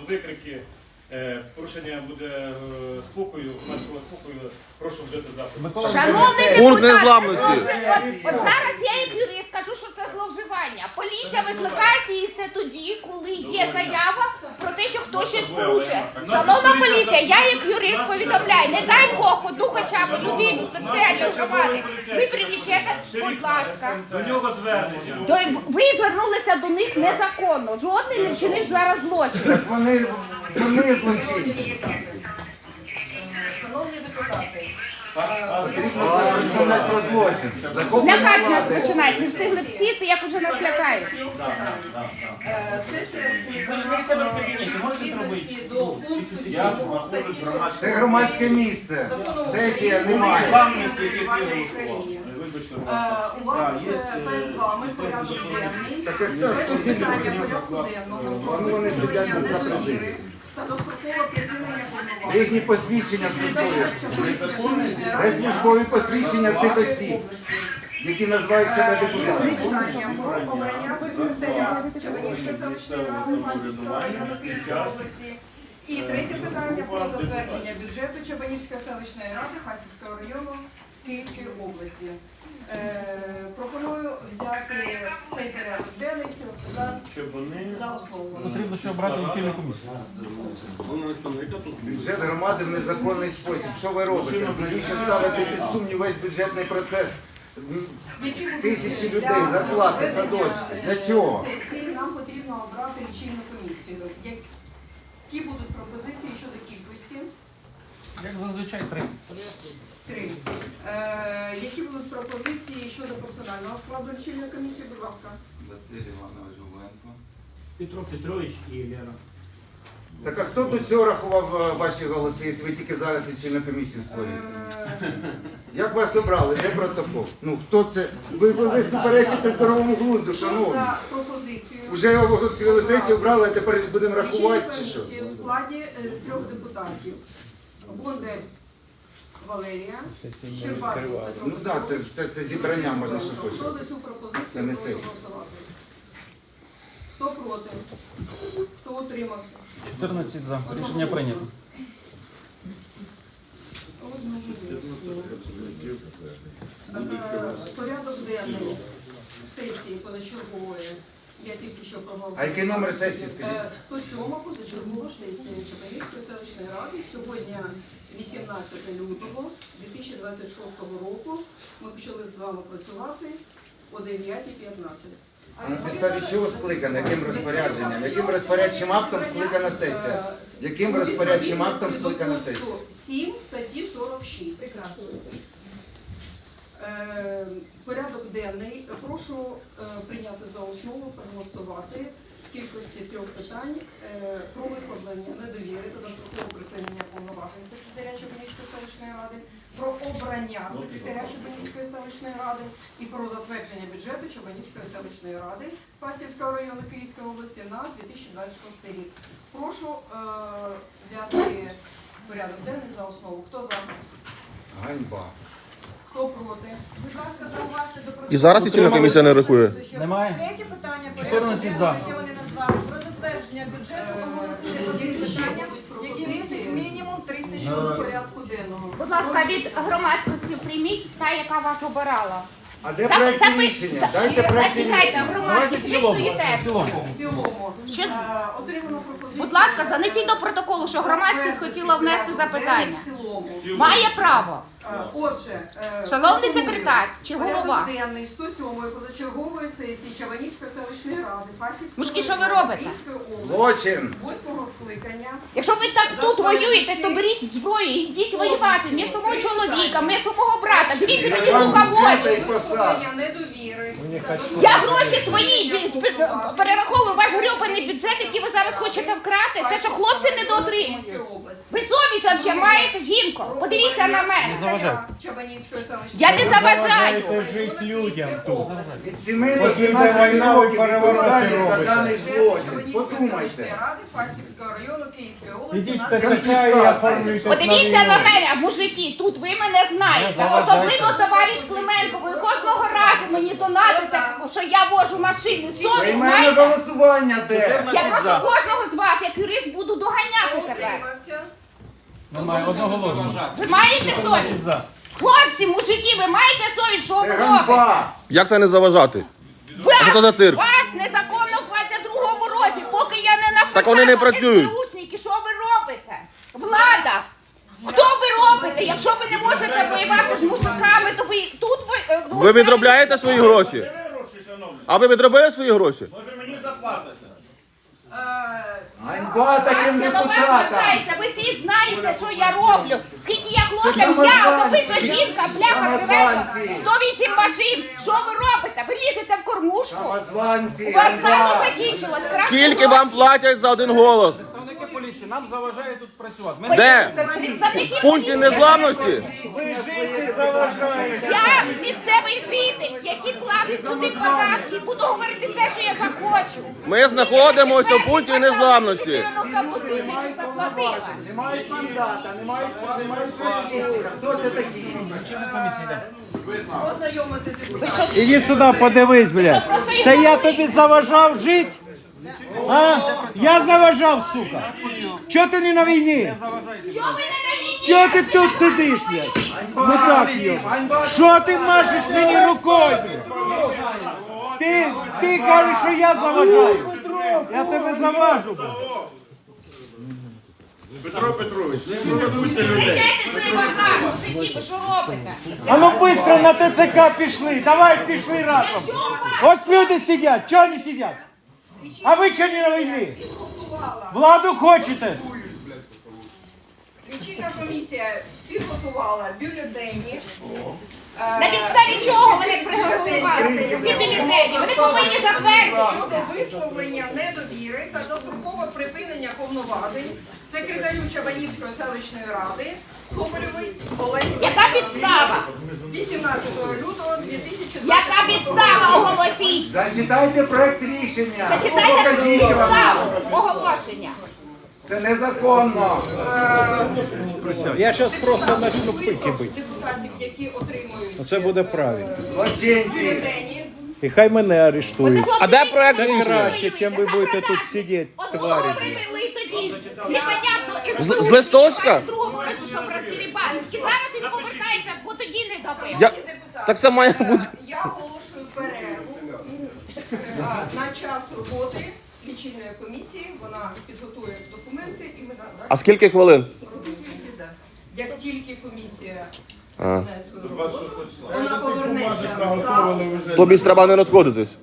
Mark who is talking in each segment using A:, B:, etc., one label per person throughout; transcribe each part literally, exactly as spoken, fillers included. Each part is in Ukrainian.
A: будуть викрики, порушення буде спокою, громадського спокою, прошу вжити заходи.
B: Шановний
C: Пункт
B: депутат,
C: незламності.
B: от, от зараз я як юрист кажу, що це зловживання. Поліція викликається і це тоді, коли є заява про те, що хтось щось порушує. Шановна поліція, я як юрист повідомляю, не дай Бог одну хоча б людину з територіальної громади ви привлічете, будь ласка.
A: До нього звернення.
B: То ви звернулися до них незаконно. Жодний не вчинив зараз злочин.
D: Так вони, вони злочинці.
E: Шановні депутати,
D: Потрібно повідомляти про злочин. Захоплення
B: Лякати нас
D: влади.
B: починають, не встигли б сісти, як уже нас лякають.
E: е, сесія скликана у відповідності до пункту сьомого статті сорок
D: Це громадське місце. Сесія немає.
E: Е, У вас е, перед вами порядок денний.
D: Так а хто-
E: Перше
D: хто ці
E: питання
D: люди?
E: порядку денного.
D: Ну, вони сидять
E: Припинення
D: за
E: недовіри
D: президією.
E: та дострокове припинення повноважень.
D: Їхні посвідчення службові.
E: Чернігівської
D: Де службові посвідчення цих осіб, які називають себе депутатами.
E: Питання про обрання секретаря Чабанівської селищної ради Фастівського району Київської області. І третє питання про затвердження бюджету Чабанівської селищної ради Фастівського району Київської області. Е, пропоную взяти цей порядок денний співпрацювати за основу.
F: Потрібно ще обрати лічильну комісію.
D: Бюджет громади в незаконний спосіб. Що ви робите? Навіщо ставити під сумнів весь бюджетний процес?
E: Які будуть
D: Тисячі
E: для
D: людей, зарплати,
E: проведення,
D: садочки. Для
E: е,
D: чого?
E: Сесії нам потрібно обрати лічильну комісію. Які будуть пропозиції щодо кількості?
F: Як зазвичай три.
E: Три. Е, які будуть пропозиції щодо персонального складу лічильної комісії, будь ласка.
G: Василь Іванович Губенко.
H: Петро Петрович і Лера.
D: Так а хто до цього рахував е, ваші голоси, якщо ви тільки зараз лічильну комісію створюєте?
E: Е,
D: Як вас обрали? Де протокол? Ну хто це? Ви, ви, ви суперечите здоровому глузду,
E: Хто
D: шановні.
E: за пропозицію?
D: Вже відкрили сесію, обрали, а тепер будемо рахувати чи що?
E: Лічильну комісію у складі е, трьох депутатів. Бондель Валерія, Щербатов Петро
D: Ну так, це,
E: Петрович.
D: це, це зібрання можна що
E: Хто
D: хоче.
E: за цю пропозицію
D: Це не
E: прошу
D: сесія.
E: голосувати? Хто проти? Хто утримався?
F: чотирнадцять за. Рішення прийнято.
E: Е, Порядок денний сесії позачергової. Я тільки що проговорила.
D: А який номер сесії, скажіть?
E: Е, сто сьома позачергова сесія Чапаївської селищної ради. Сьогодні вісімнадцяте лютого дві тисячі двадцять шостого року. Ми почали з вами працювати о дев'ятій п'ятнадцять.
D: А на підставі чого скликано? Яким розпорядженням? Яким розпорядчим актом скликана сесія? Яким розпорядчим актом скликана сесія?
E: сім статті сорок шість. Е, Порядок денний. Прошу е, прийняти за основу, проголосувати в кількості трьох питань е, про висловлення недовіри та дострокове припинення повноважень секретаря Чабанівської селищної ради, про обрання секретаря Чабанівської селищної ради і про затвердження бюджету Чабанівської селищної ради Фастівського району Київської області на дві тисячі двадцять шостий рік. Прошу е, взяти порядок денний за основу. Хто за?
D: Ганьба.
E: Хто проти? Будь ласка, зауважте до протоколу.
C: І зараз лічильна комісія не рахує.
F: Немає.
E: Третє питання порядку
F: чотирнадцять за.
E: денного, яке вони назвали, про затвердження бюджету оголосили одні питання, які містять мінімум тридцять щодо порядку денного.
B: Будь ласка, від громадськості прийміть та, яка вас обирала.
D: А де
B: Зап-
D: проект
B: запи-
D: рішення?
B: за-
D: Дайте проект
B: Зачекайте,
D: рішення.
B: громадськість, ви
F: цілому.
B: стоїте.
F: В цілому.
E: В цілому.
B: Що?
E: Е, Отримано пропозицію.
B: Будь ласка, занесіть до протоколу, що громадськість хотіла внести запитання.
E: В цілому.
B: Має право.
E: Е, Отже, е,
B: Шановний
E: пропоную
B: секретар чи голова?
E: порядок денний сто сьомої позачергової сесії Чабанівської селищної ради Фастівського
B: Мужики, що ви
E: району
B: робите?
E: Київської області
D: Злочин.
E: восьмого скликання.
B: Якщо ви так тут воюєте, то беріть зброю і йдіть воювати. Вмісто мого чоловіка, вмісто мого брата. Дивіться мені сука в очі.
E: Висловлення недовіри.
B: Я гроші свої бі- бі- перераховую ваш грьобаний бюджет, який ви зараз хочете вкрати. Те, що хлопці не дотримуюсь. Ви совість взагалі маєте, жінко? Подивіться на мене.
F: заважайте.
B: Я не заважаю.
C: жити людям тут.
D: Від семи до
C: Поки йде
D: дванадцяти
C: війна, ви
D: років
C: перевороти
D: відповідальність за
C: робите.
D: даний злочин. Подумайте.
E: Ради Фастівського району Київської області.
C: Ідіть
E: нас
C: в ТЦК і
D: конфіскація.
C: оформлюйтесь на
B: Подивіться на
C: війну.
B: мене, мужики, тут ви мене знаєте.
F: Не заважайте.
B: Особливо товариш Клименко. Ви кожного разу мені донатите, що я вожу машину. Совість
D: Приймемо
B: знаєте?
D: голосування де?
B: Я просто кожного з вас, як юрист, буду доганяти тебе.
E: Утримався.
F: Немає одного голосу.
B: Ви маєте совість?
F: За.
B: Хлопці, мужики, ви маєте совість, що ви
D: Це
B: робите?
D: ганьба.
I: Як це не заважати?
B: Вас,
I: Що це за цирк?
B: вас незаконно в двадцять другому році, поки я не написала
I: Так вони не працюють.
B: СБУшники, що ви робите? Влада! Хто ви робите? Якщо ви не можете воювати з мужиками, то ви тут ви... е,
I: Ви відробляєте свої гроші?
A: Ви гроші, шановні.
I: А ви відробили свої гроші?
A: Може мені заплатите?
E: Е,
D: Ганьба таким
B: Я до вас
D: депутатам.
B: звертаюся, ви всі знаєте, що я роблю. Скільки я хлопцям,
D: самозванці.
B: я особиста жінка, бляха, привезла
D: Самозванці.
B: сто вісім машин. Що ви робите? Ви лізете в кормушку?
D: Самозванці,
B: У вас
D: ганьба.
B: сало закінчилось. крах
I: Скільки вам платять за один голос?
F: Представники поліції, нам заважає тут працювати. Ми
I: Де?
B: Представники
I: В пункті
B: поліції.
I: незламності?
C: Ви жити заважаєте.
B: Я місцевий житель, який платить сюди податки, буду говорити те, що я захочу.
I: Ми знаходимося в пункті незламності.
D: Не мають мандата, не мають не мають політичних. Хто це такі?
E: Ознайомити депутатів.
C: Іди сюди, подивись, блядь. Це я тобі заважав жити? А? Я заважав, сука. Чого ти не на війні?
B: Чого ви не на війні?
C: Чого ти тут сидиш, блядь? Ну так, йо. Що ти машеш мені рукою, блядь? Ти, ти кажеш, що я заважаю. Я тебе заважу, блядь.
A: Петро Петрович, ну ви будьте людей.
B: Прощайте цей базар, мужики, ви що робите?
C: А ну швидко на ТЦК пішли. Давай пішли разом. Ось люди сидять. Чого не сидять? А ви чого не на війні? Владу хочете?
E: Лічильна комісія підготувала бюлетені.
B: На підставі чого вони приготували ці бюлетені? Вони повинні затвердити.
E: Щодо висловлення недовіри та дострокове припинення повноважень секретарю Чабанівської селищної ради Соболєвої Олені
B: Яка підстава?
E: вісімнадцятого лютого дві тисячі
B: Яка
E: двадцятого
B: підстава? Оголосіть.
D: Зачитайте проект рішення.
B: Зачитайте
D: Покажіть вам.
B: підставу оголошення.
D: Це незаконно.
C: Я зараз просто почну
E: список
C: пики бити.
E: депутатів, які отримують
C: Це буде правильно.
D: Злочинці.
E: бюлетені.
C: І хай мене арештують.
I: А де проект
C: Це
I: рішення?
C: краще, чим ви будете тут сидіти,
B: Одного
C: тварі.
B: привели тоді. Непонятно.
I: З- з листочка?
B: В другому разу, що працює банк. І зараз він повертається, бо тоді не добив.
I: Я-
E: Шановні депутати,
I: Так це має
E: е,
I: бути.
E: Я оголошую перерву е, на час роботи лічильної комісії. Вона підготує документи і ми на-
I: А скільки хвилин?
E: як тільки комісія
I: А.
E: виконає свою роботу, вона повернеться в зал.
I: Тобі ж треба не розходитись.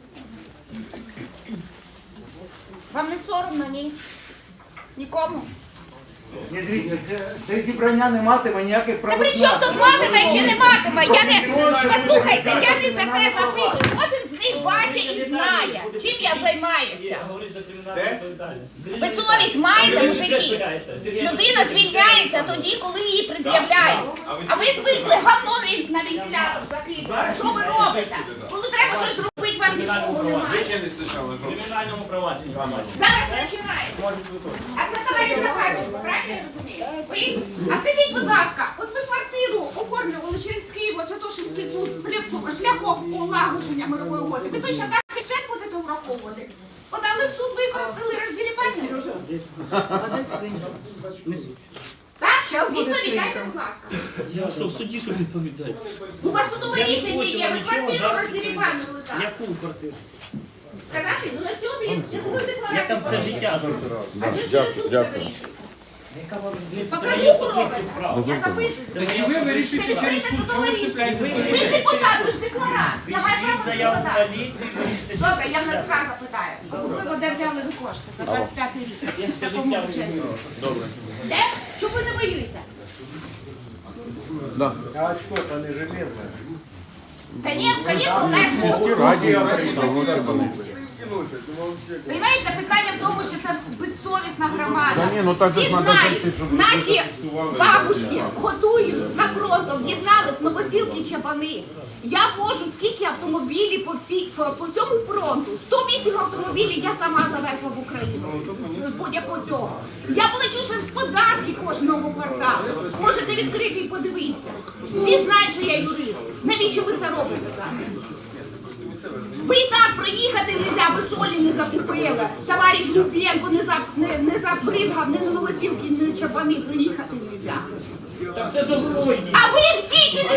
B: Вам не соромно, ні? Нікому?
D: Ні, дивіться, це, це зібрання не матиме ніяких
B: Та
D: правових
B: при чому тут
D: наслідків.
B: матиме чи не матиме? Я не... Послухайте, я не за те запитую. Кожен з них бачить і знає, чим я займаюся.
H: Говорить за кримінальну відповідальність.
B: Ви совість маєте, мужики? Людина звільняється тоді, коли її пред'являють. А ви звикли гавно від- на вентилятор закидати. Що ви робите? Коли треба щось зробити, вам нікого немає.
H: В кримінальному провадженні вам
B: Зараз починаємо.
H: можуть виконувати.
B: А це товариш Захарченко, правильно я розумію? Ви? А скажіть, будь ласка, от ви квартиру оформлювали через Київ, Святошинський суд, шляхом- шляхом полагодження мирової угоди. Ви точно так бюджет будете враховувати? Подали в суд, використали розділіпання? Так?
E: Щас буде
B: Відповідайте,
E: скринька.
B: будь ласка.
H: Я що, в суді що відповідати?
B: У вас судове
H: Я не
B: рішення
H: хочу
B: є,
H: вам
B: ви
H: нічого
B: квартиру
H: зараз
B: розділіпанили, так?
H: Яку квартиру?
B: Сказати, ну на сьогодні я буду декларацію.
H: Я там все життя.
B: А чи ж ви суд це вирішує?
H: Яка вам різниця? Це
B: Показуху
H: моє особисті
B: робите.
H: справи.
B: Я записую.
H: Це моє особисті
B: Це
H: справи.
B: відкрите судове рішення.
H: Ви
B: Ви ж депутат, ви ж декларант. Я маю
H: Пишіть
B: право
H: заяву в
B: запитати.
H: поліцію, вирішите.
B: Добре, я в НАЗК запитаю. Особливо, де взяли ви кошти за двадцять п'ятий рік.
H: Я
B: В
H: все
B: якому
H: життя
B: бюджеті?
H: Добре.
B: Де? Чому ви не воюєте?
C: А очко то не железне.
B: Та ні, звісно, легше. Понимаєте, питання в тому, що це безсовісна громада.
F: ні, ну так же
B: Всі
F: ж надо
B: знають,
F: зайти, щоб ви
B: наші
F: зафіксували.
B: бабушки готують на фронт, об'єднались Новосілки, Чапани. Я вожу скільки автомобілів по, всій, по, по всьому фронту. сто вісім автомобілів я сама завезла в Україну з, з будь-якого цього. Я плачу ще в податки кожного кварталу. Можете відкрити і подивитися. Всі знають, що я юрист. Навіщо ви це робите зараз? Ви і так проїхати не можна, ви солі не закупили. Товариш Лубенко не, за, не, не забризгав, ні на Новосілки, ні на Чапани проїхати не можна.
H: Так це добровольні.
B: А ви